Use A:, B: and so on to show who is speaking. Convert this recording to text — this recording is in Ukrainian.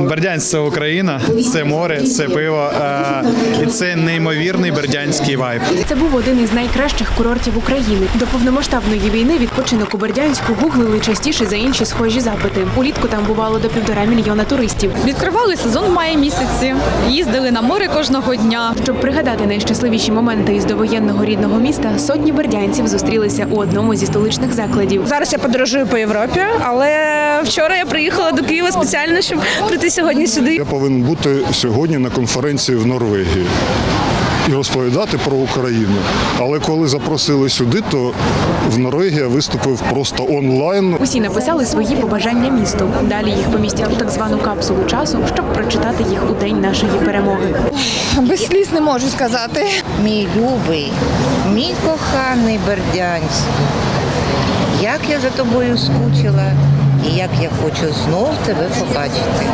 A: Бердянськ – це Україна, це море, це пиво і це неймовірний бердянський вайб.
B: Це був один із найкращих курортів України. До повномасштабної війни відпочинок у Бердянську гуглили частіше за інші схожі запити. Улітку там бувало до 1,5 мільйона туристів.
C: Відкривали сезон в маї місяці, їздили на море кожного дня.
B: Щоб пригадати найщасливіші моменти із довоєнного рідного міста, сотні бердянців зустрілися у одному зі столичних закладів.
D: Зараз я подорожую по Європі, але вчора я приїхала до Києва спеціально, щоб прийти сьогодні сюди.
E: Я повинен бути сьогодні на конференції в Норвегії і розповідати про Україну. Але коли запросили сюди, то в Норвегії я виступив просто онлайн.
B: Усі написали свої побажання місту. Далі їх помістять у так звану капсулу часу, щоб прочитати їх у день нашої перемоги.
F: Без сліз не можу сказати.
G: Мій любий, мій коханий Бердянськ, як я за тобою скучила і як я хочу знов тебе побачити.